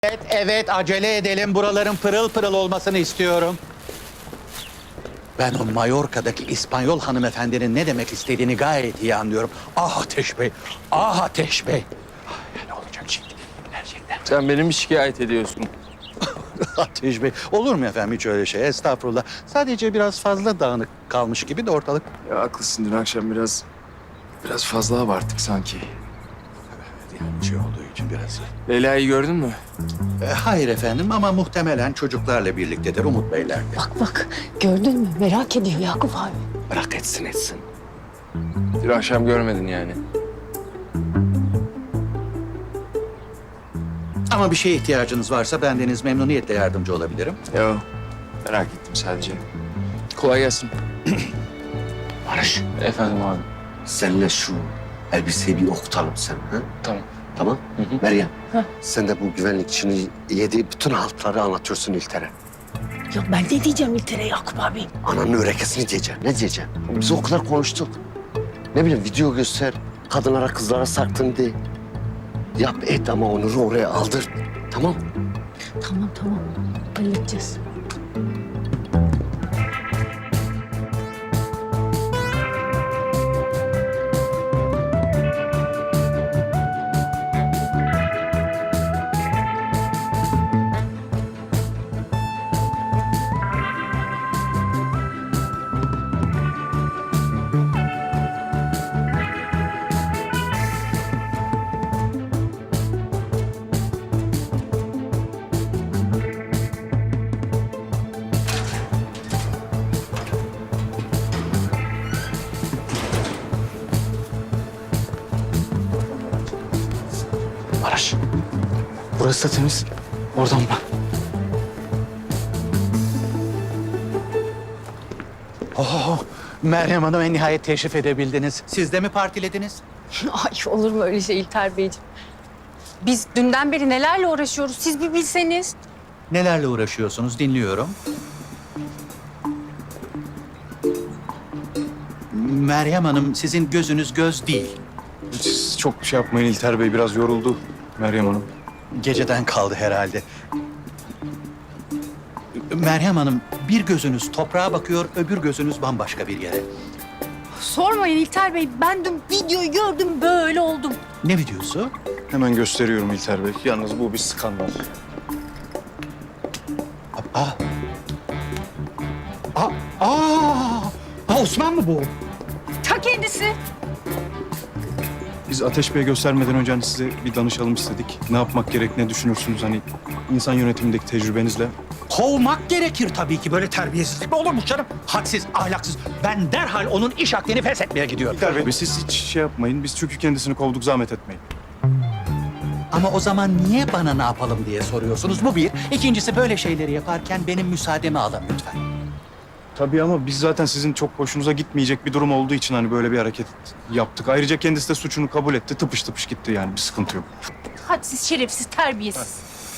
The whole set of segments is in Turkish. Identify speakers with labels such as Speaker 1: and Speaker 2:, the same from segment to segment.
Speaker 1: Evet, evet, acele edelim. Buraların pırıl pırıl olmasını istiyorum. Ben o Mallorca'daki İspanyol hanımefendinin ne demek istediğini gayet iyi anlıyorum. Ah Ateş Bey, ah Ateş Bey. Ne olacak şimdi gerçekten?
Speaker 2: Sen beni mi şikayet ediyorsun?
Speaker 1: Ateş Bey, olur mu efendim hiç öyle şey? Estağfurullah. Sadece biraz fazla dağınık kalmış gibi de ortalık.
Speaker 2: Ya haklısın, dün akşam biraz fazla abarttık sanki.
Speaker 1: Yani şey olduğu için biraz.
Speaker 2: Leyla'yı gördün mü?
Speaker 1: Hayır efendim ama muhtemelen çocuklarla birliktedir Umut Beyler'de.
Speaker 3: Bak gördün mü? Merak ediyor Yakup abi.
Speaker 1: Bırak etsin.
Speaker 2: Dün akşam görmedin yani.
Speaker 1: Ama bir şeye ihtiyacınız varsa bendeniz memnuniyetle yardımcı olabilirim.
Speaker 2: Yo, merak ettim sadece. Kolay gelsin.
Speaker 4: Barış,
Speaker 2: Efendim abi.
Speaker 4: senle şu elbiseyi bir okutalım sen. Ha?
Speaker 2: Tamam.
Speaker 4: Tamam.
Speaker 2: Hı hı.
Speaker 4: Meryem, sen de bu güvenlikçinin yediği bütün haltları anlatıyorsun İlter'e.
Speaker 3: Ya ben ne diyeceğim İlter'e Yakup abi?
Speaker 4: Ananın örekesini diyeceksin. Ne diyeceksin? Biz o kadar konuştuk. Ne bileyim video göster, kadınlara kızlara saktın de. Yap et ama Onur'u oraya aldır. Tamam.
Speaker 3: Tamam. Halledeceğiz.
Speaker 2: Barış. Burası da temiz. Oradan bak.
Speaker 1: Oh, Meryem Hanım en nihayet teşrif edebildiniz. Siz de mi partilediniz?
Speaker 3: Ay olur mu öyle şey İlter Beyciğim? Biz dünden beri nelerle uğraşıyoruz siz bir bilseniz.
Speaker 1: Nelerle uğraşıyorsunuz dinliyorum. Meryem Hanım sizin gözünüz göz değil.
Speaker 2: Siz çok şey yapmayın İlter Bey, biraz yoruldu Meryem Hanım.
Speaker 1: Geceden kaldı herhalde. Meryem Hanım bir gözünüz toprağa bakıyor, öbür gözünüz bambaşka bir yere.
Speaker 3: Sormayın İlter Bey ben dün videoyu gördüm böyle oldum.
Speaker 1: Ne videosu?
Speaker 2: Hemen gösteriyorum İlter Bey. Yalnız bu bir skandal.
Speaker 1: Aa. Osman mı bu?
Speaker 3: Ta kendisi.
Speaker 5: Biz Ateş Bey'e göstermeden önce hani size bir danışalım istedik. Ne yapmak gerek, ne düşünürsünüz hani insan yönetimindeki tecrübenizle?
Speaker 1: Kovmak gerekir tabii ki. Böyle terbiyesizlik mi olur mu canım? Hadsiz, ahlaksız. Ben derhal onun iş akdini feshetmeye gidiyorum.
Speaker 5: İlter Bey, siz hiç şey yapmayın. Biz çünkü kendisini kovduk, zahmet etmeyin.
Speaker 1: Ama o zaman niye bana ne yapalım diye soruyorsunuz? Bu bir. İkincisi böyle şeyleri yaparken benim müsaademi alın lütfen.
Speaker 5: Tabii ama biz zaten sizin çok hoşunuza gitmeyecek bir durum olduğu için hani böyle bir hareket yaptık. Ayrıca kendisi de suçunu kabul etti. Tıpış tıpış gitti yani, bir sıkıntı yok.
Speaker 3: Hadsiz, şerefsiz, terbiyesiz.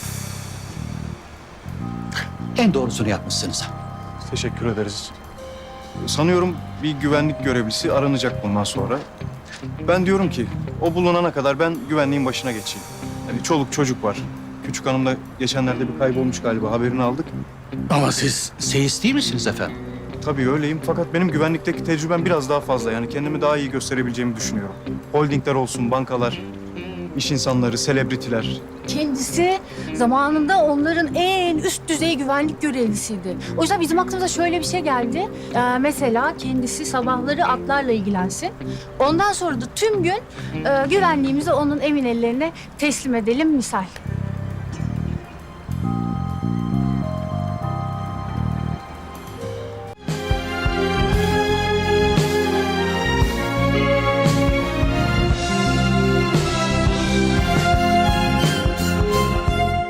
Speaker 1: En doğrusunu yapmışsınız.
Speaker 5: Teşekkür ederiz. Sanıyorum bir güvenlik görevlisi aranacak bundan sonra. Ben diyorum ki o bulunana kadar ben güvenliğin başına geçeyim. Yani çoluk çocuk var. Küçük hanım da geçenlerde bir kaybolmuş galiba, haberini aldık.
Speaker 1: Ama siz seyis değil misiniz efendim?
Speaker 5: Tabii öyleyim fakat benim güvenlikteki tecrübem biraz daha fazla. Yani kendimi daha iyi gösterebileceğimi düşünüyorum. Holdingler olsun, bankalar, iş insanları, selebritiler.
Speaker 3: Kendisi zamanında onların en üst düzey güvenlik görevlisiydi. O yüzden bizim aklımıza şöyle bir şey geldi. Mesela kendisi sabahları atlarla ilgilensin. Ondan sonra da tüm gün güvenliğimizi onun emin ellerine teslim edelim misal.